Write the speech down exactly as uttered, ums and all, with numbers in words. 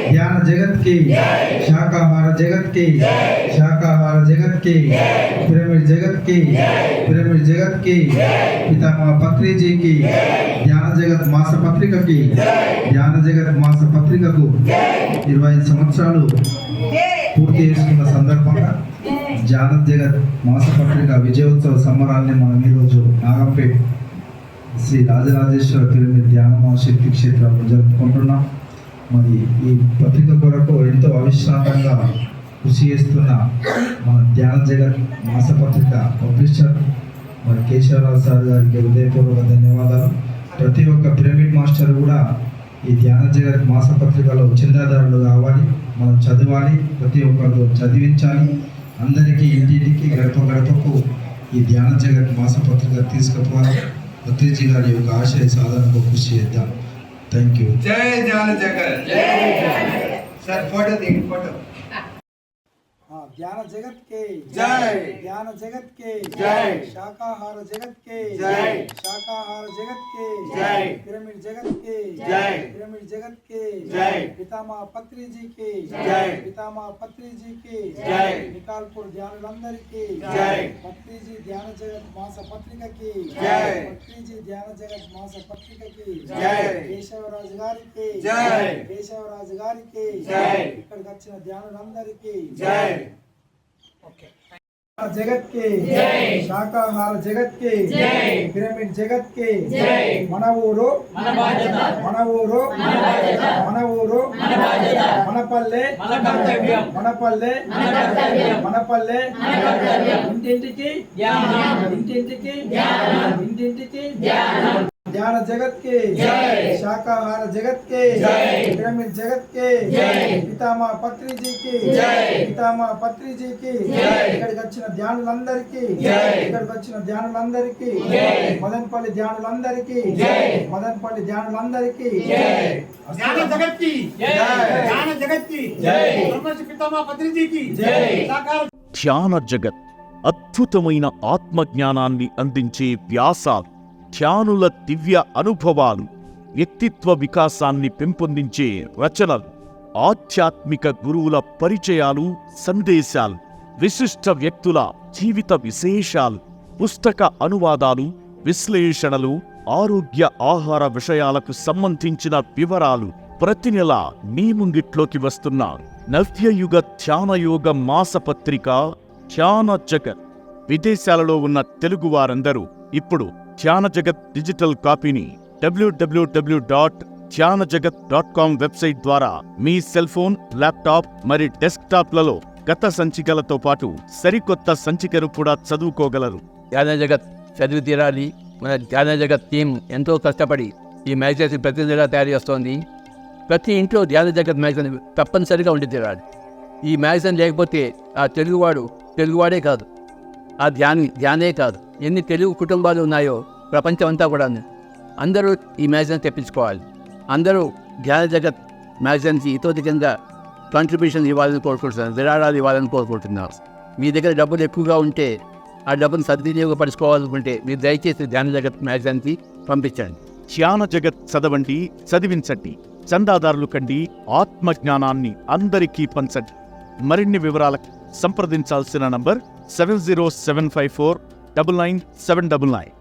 ध्यान जगत की, शाकाहार जगत की, शाकाहार जगत की, पिरामिड जगत की, पिरामिड जगत की, पितामह पत्री जी की, ध्यान जगत मास पत्रिक की, ध्यान जगत मास पत्रिक को ఇరవై సంవత్సరాలు పూర్తి చేసుకున్న సందర్భంగా ధ్యాన జగత్ మాసపత్రిక విజయోత్సవ సంబరాల్ని మనం ఈరోజు నాగంపేట్ శ్రీ రాజరాజేశ్వర పిరమిడ్ ధ్యాన మహాశక్తి క్షేత్రంలో జరుపుకుంటున్నాం. మరి ఈ పత్రిక కొరకు ఎంతో అవిశ్రాంతంగా కృషి చేస్తున్న మన ధ్యాన జగత్ మాసపత్రిక పబ్లిషర్ మరి కేశవరావు సార్ గారికి హృదయపూర్వక ధన్యవాదాలు. ప్రతి ఒక్క పిరమిడ్ మాస్టర్ కూడా ఈ ధ్యాన జగత్ మాసపత్రికలో చందాదారులు కావాలి, మనం చదవాలి, ప్రతి ఒక్కరితో చదివించాలి. అందరికీ ఇంటింటికి గడప గడపకు ఈ ధ్యాన జగత్ మాసపత్రిక తీసుకుపోవాలి. పత్రిజీ గారి యొక్క ఆశయ సాధనకు కృషి చేద్దాం. Thank you. జై ధ్యాన జగత్. సార్ ఫోటో దిగి ఫోటో. ध्यान जगत के जय, ध्यान जगत के जय, शाकाहार जगत के जय, शाकाहार जगत के जय, पिरामिड जगत के जय, पिरामिड जगत के जय, पितामह पत्री जी के जय, पितामह पत्री जी के जय, निकालपुर ध्यानुలందరి की जय, पत्री जी ध्यान जगत मास पत्रिका की जय, पत्री जी ध्यान जगत मास पत्रिका की जय, కేశవరాజు గారికి जय, కేశవరాజు గారికి जय, ఇక్కడికి వచ్చిన ధ్యానులందరికీ जय, जगत के जय, शाकाहार जगत के जय, पिरामिड जगत के जय, మన ఊరు మన బాధ్యత, మన ఊరు మన బాధ్యత, మన ఊరు మన బాధ్యత, మనపల్లె మన కర్తవ్యం, మనపల్లె మన కర్తవ్యం, మనపల్లె మన కర్తవ్యం, ఇంటింటికి ధ్యానం ధ్యానం, ఇంటింటికి ధ్యానం, ఇంటింటికి ధ్యానం, ध्यान जगत के जय, शाकाहार जगत के जय, पिरामिड जगत के जय, पितामह पत्री जी की जय, पितामह पत्री जी की जय, ఇక్కడికి వచ్చిన ధ్యానులందరికీ जय, ఇక్కడికి వచ్చిన ధ్యానులందరికీ जय, మదనపల్లి ధ్యానులందరికీ जय, మదనపల్లి ధ్యానులందరికీ जय, ध्यान जगत की जय, ध्यान जगत की जय, ब्रह्मर्षि पितामह पत्री जी की जय, साकार ధ్యాన జగత్ అద్భుతమైన ఆత్మజ్ఞానాన్ని అందించే వ్యాసాలు, ధ్యానుల దివ్య అనుభవాలు, వ్యక్తిత్వ వికాసాన్ని పెంపొందించే రచనలు, ఆధ్యాత్మిక గురువుల పరిచయాలు, సందేశాలు, విశిష్ట వ్యక్తుల జీవిత విశేషాలు, పుస్తక అనువాదాలు, విశ్లేషణలు, ఆరోగ్య ఆహార విషయాలకు సంబంధించిన వివరాలు ప్రతి నెల మీ ముంగిట్లోకి వస్తున్న నవ్యయుగ ధ్యానయోగ మాసపత్రిక ధ్యాన జగత్. విదేశాలలో ఉన్న తెలుగు వారందరూ ఇప్పుడు ధ్యాన జగత్ డిజిటల్ కాపీని డబ్ల్యూడబ్ల్యూడబ్ల్యూ డాట్ ధ్యాన జగత్ డాట్ కామ్ వెబ్సైట్ ద్వారా మీ సెల్ ఫోన్, ల్యాప్టాప్ మరి డెస్క్టాప్లలో గత సంచికలతో పాటు సరికొత్త సంచికను కూడా చదువుకోగలరు. ధ్యాన జగత్ చదివి తీరాలి. మన ధ్యాన జగత్ టీం ఎంతో కష్టపడి ఈ మ్యాగజైన్స్ ప్రతి నెల తయారు చేస్తోంది. ప్రతి ఇంట్లో ధ్యాన జగత్ మ్యాగజైన్ తప్పనిసరిగా ఉండి తీరాలి. ఈ మ్యాగజైన్ లేకపోతే ఆ తెలుగువాడు తెలుగువాడే కాదు, ఆ ధ్యాని ధ్యానే కాదు, ఎన్ని తెలుగు కుటుంబాలు ఉన్నాయో ప్రపంచం అంతా కూడా అందరూ ఈ మ్యాగజైన్ తెప్పించుకోవాలి. అందరూ ధ్యాన జగత్ మ్యాగజైన్కి ఇతోధికంగా కాంట్రిబ్యూషన్ ఇవ్వాలని కోరుకుంటున్నారు, విరాళాలు ఇవ్వాలని కోరుకుంటున్నారు. మీ దగ్గర డబ్బులు ఎక్కువగా ఉంటే ఆ డబ్బును సద్వినియోగపరుచుకోవాలనుకుంటే మీరు దయచేసి ధ్యాన జగత్ మ్యాగజైన్కి పంపించండి. ధ్యాన జగత్ చదవండి, చదివించండి, చందాదారులు కండి, ఆత్మజ్ఞానాన్ని అందరికీ పంచండి. మరిన్ని వివరాలకు సంప్రదించాల్సిన number seven zero seven five four double nine seven double nine.